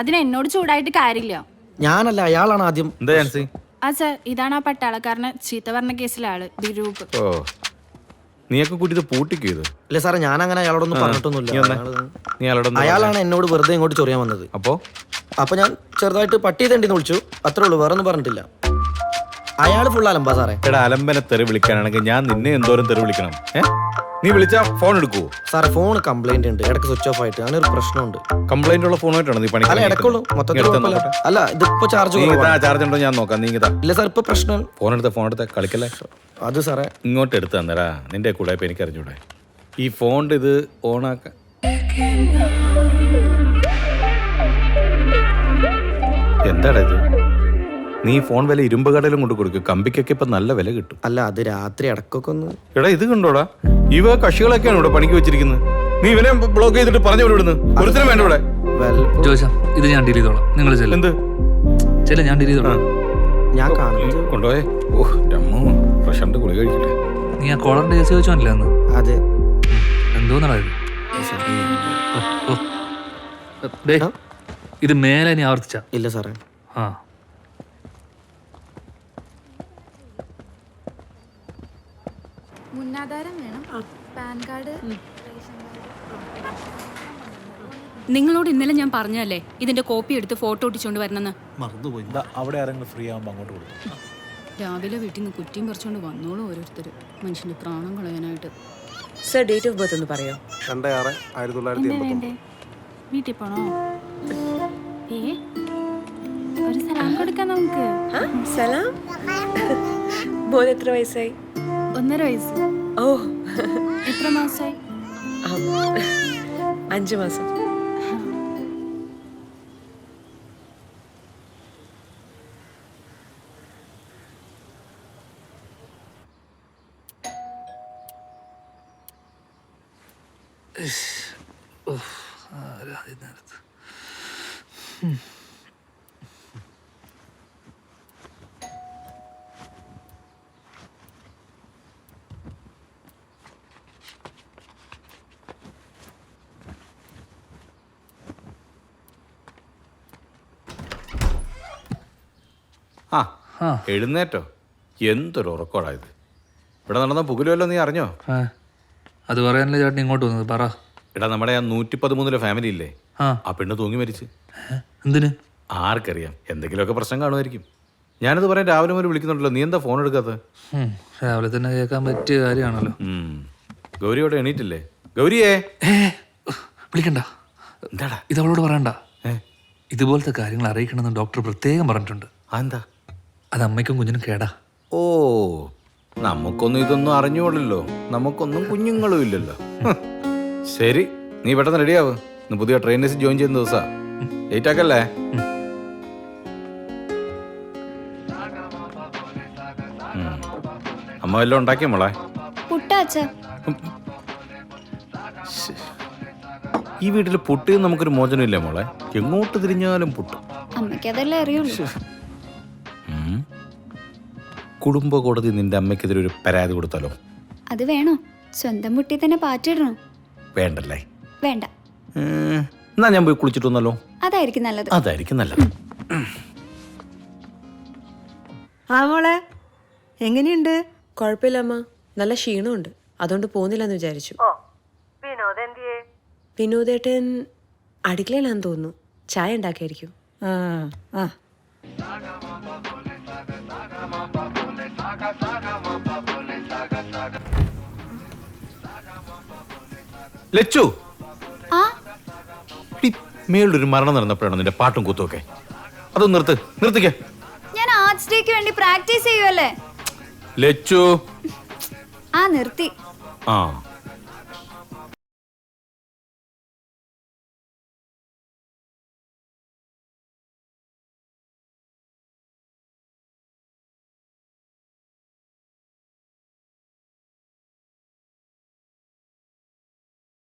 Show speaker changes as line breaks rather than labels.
അതിന് എന്നോട് ചൂടായിട്ട് കാര്യമില്ല.
ഞാനല്ല, അയാളാണ് ആദ്യം.
എന്താ ജാൻസി?
ആ സർ, ഇതാണ് ആ പട്ടാളക്കാരനെ ചീത്ത പറഞ്ഞ കേസിലെ ആള്, ദിരൂപ്.
ഓ, നീയൊക്കെ കൂട്ടിയത് പൂട്ടിക്കോ ഇത്?
ഇല്ല സാറേ, ഞാൻ അങ്ങനെ അയാളോടൊന്നും പറഞ്ഞിട്ടൊന്നുമില്ല. അയാളാണ് എന്നോട് വെറുതെ ഇങ്ങോട്ട് ചൊറിയാൻ വന്നത്. അപ്പൊ ഞാൻ ചെറുതായിട്ട് പട്ടി തണ്ടിന്ന് വിളിച്ചു, അത്രേ ഉള്ളൂ, വേറെ ഒന്നും പറഞ്ഞിട്ടില്ല. അയാള് ഫുൾ അലമ്പാ സാറേ.
എടാ, അലമ്പനെ തെറി വിളിക്കാനാണെങ്കിൽ ഞാൻ നിന്നെ എന്തോരം തെറി വിളിക്കണം? നീ വിളിച്ചാ ഫോൺ എടുക്കുവോ?
സാറേ, ഫോൺ കംപ്ലൈന്റ് ഉണ്ട്, ഇടയ്ക്ക് സ്വിച്ച് ഓഫ് ആയിട്ട്, അങ്ങനെ ഒരു പ്രശ്നമുണ്ട്.
കംപ്ലൈന്റ് ഉള്ള ഫോണായിട്ടാണ് നീ പണി?
അല്ല, ഇടയ്ക്കുള്ളൂ, മൊത്തത്തിൽ അല്ല. ഇതിപ്പോ ചാർജ്
ചാർജ് ഉണ്ടോ ഞാൻ നോക്കാം. നീ
ഇല്ല സാർ, ഇപ്പൊ പ്രശ്നം.
ഫോൺ എടുത്ത കളിക്കല്ലേ.
അത് സാറേ
ഇങ്ങോട്ട് എടുത്ത് തന്നേരാ, നിന്റെ കൂടെ ഇപ്പൊ എനിക്ക് അറിഞ്ഞൂടെ. ഈ ഫോണിന്റെ ഇത് ഓണാക്കാൻ എന്താടാ ഇത്? നീ ഫോൺ വില ഇരുമ്പ് കടയിലും കൊണ്ട് കൊടുക്കും, കമ്പിക്കൊക്കെ ഇപ്പൊ നല്ല വില കിട്ടും.
അല്ല, അത് രാത്രി ഇടക്കൊക്കെ ഒന്ന്.
എടാ, ഇത് കണ്ടോടാ, ഇവ കക്ഷികളൊക്കെയാണ് ഇവിടെ പണിക്ക് വെച്ചിരിക്കുന്നത്. നീ ഇവനെ ബ്ലോക്ക് ചെയ്തിട്ട് പറഞ്ഞു വിടുന്നു. ഒരുത്തരം വേണ്ട ഇവിടെ.
ജോഷ, ഇത് ഞാൻ ഡീൽ ചെയ്തോളാം. നിങ്ങൾ എന്ത് ചില ഞാൻ ഡീൽ ചെയ്തോളാം.
ഞാൻ കാണുന്നത്
കൊണ്ടുപോയേ. ഓ രമ്മോ, പ്രശാന്ത് ഗുളിക കഴിക്കട്ടെ.
നീ ആ കോളറിന്റെ കേസ് ചോദിച്ചോന്നില്ല അന്ന്?
അതെ.
എന്തോന്നാ ഇത്? ഇത് മേലെ നീ ആവർത്തിച്ച?
ഇല്ല സാറേ.
ആ,
മുന്നാധാരം വേണം, പാൻ കാർഡ്.
നിങ്ങളോട് ഇന്നലെ ഞാൻ പറഞ്ഞല്ലേ ഇതിന്റെ കോപ്പി എടുത്ത് ഫോട്ടോ ഒട്ടിച്ചോണ്ട് വരണമെന്ന്.
മറന്നുപോയി. അവിടെ ആരെങ്കിലും ഫ്രീ ആകുമ്പോൾ അങ്ങോട്ട് കൊടുത്തു.
രാവിലെ വീട്ടിൽ നിന്ന് കുറ്റിയും പറിച്ചോണ്ട് വന്നോളൂ ഓരോരുത്തർ, മനുഷ്യന്റെ പ്രാണം കളയാനായിട്ട്.
സർ, ഡേറ്റ് ഓഫ് ബർത്ത് ഒന്ന് പറയോ?
2/6/1989.
വീട്ടിൽ പോണോ? ഒരു സലാം കൊടുക്കാം നമുക്ക്.
സലാം. മോൻ എത്ര വയസ്സായി?
1.5 വയസ്സ്.
ഓ,
എത്ര മാസമായി?
5 മാസം.
എഴുന്നേറ്റോ? എന്തൊരു ഉറക്കോടായത്. ഇവിടെ നടന്ന പുകലുമല്ലോ, നീ അറിഞ്ഞോ?
അത് പറയാനല്ലേ ചേട്ടൻ ഇങ്ങോട്ട് വന്നത്? പറ.
എടാ, നമ്മുടെ ആ 113 ഫാമിലി ഇല്ലേ, ആ പെണ്ണ് തൂങ്ങി മരിച്ച്.
എന്തിന്?
ആർക്കറിയാം, എന്തെങ്കിലുമൊക്കെ പ്രശ്നം കാണുമായിരിക്കും. ഞാനത് പറയാൻ രാവിലെ മുതൽ വിളിക്കുന്നുണ്ടല്ലോ, നീ എന്താ ഫോൺ എടുക്കാത്തത്?
രാവിലെ തന്നെ കേൾക്കാൻ പറ്റിയ കാര്യമാണല്ലോ.
ഗൗരിയോടെ എണീറ്റില്ലേ? ഗൗരിയേ,
വിളിക്കണ്ട.
എന്താടാ
ഇത് അവളോട് പറയണ്ട. ഇതുപോലത്തെ കാര്യങ്ങൾ അറിയിക്കണമെന്ന് ഡോക്ടർ പ്രത്യേകം പറഞ്ഞിട്ടുണ്ട്.
എന്താ?
അത് അമ്മയ്ക്കും കുഞ്ഞിനും കേടാ.
ഓ, നമുക്കൊന്നും ഇതൊന്നും അറിഞ്ഞോളല്ലോ, നമുക്കൊന്നും കുഞ്ഞുങ്ങളും ഇല്ലല്ലോ. ശരി, നീ പെട്ടെന്ന് റെഡിയാവ്. ഇന്ന് പുതിയ ട്രെയിനേഴ്സ് ജോയിൻ ചെയ്യുന്ന ദിവസാ. ലേറ്റ് ആക്കല്ലേ? അമ്മ വല്ലതും ഉണ്ടാക്കിയ മോളെ? ഈ വീട്ടിൽ പുട്ട് നമുക്കൊരു മോചനം ഇല്ലേ മോളെ? എങ്ങോട്ട് തിരിഞ്ഞാലും പുട്ട്.
അമ്മയ്ക്കതല്ലേ അറിയുള്ളൂ.
കുടുംബ കോടതി നിന്റെ അമ്മയ്ക്കെതിരെ ഒരു പരാതി കൊടുത്താലോ?
അത് വേണോ? സ്വന്തം മുട്ടി തന്നെ പാറ്റിടണോ?
വേണ്ടല്ലേ?
വേണ്ട.
എന്നാ ഞാൻ പോയി കുളിച്ചിട്ട് വന്നല്ലോ.
അതായിരിക്കും നല്ലത്.
അതായിരിക്കും നല്ലത്.
ആ മോളെ, എങ്ങനെയുണ്ട്?
കുഴപ്പമില്ലമ്മ, നല്ല ക്ഷീണമുണ്ട്, അതുകൊണ്ട് പോകുന്നില്ലെന്ന് വിചാരിച്ചു. വിനോദേട്ടൻ അടുക്കളയിലാന്ന് തോന്നുന്നു, ചായ ഉണ്ടാക്കിയായിരിക്കും.
ലച്ചു, മേളിലൊരു മരണം നടന്നപ്പോഴാണ് നിന്റെ പാട്ടും കൂത്തുമൊക്കെ. അതൊന്ന് നിർത്തിക്കേ.
ഞാൻ ആർട്സ് ഡേക്ക് വേണ്ടി പ്രാക്ടീസ് ചെയ്യുവല്ലേ.
ലച്ചു,
നിർത്തി.
ആ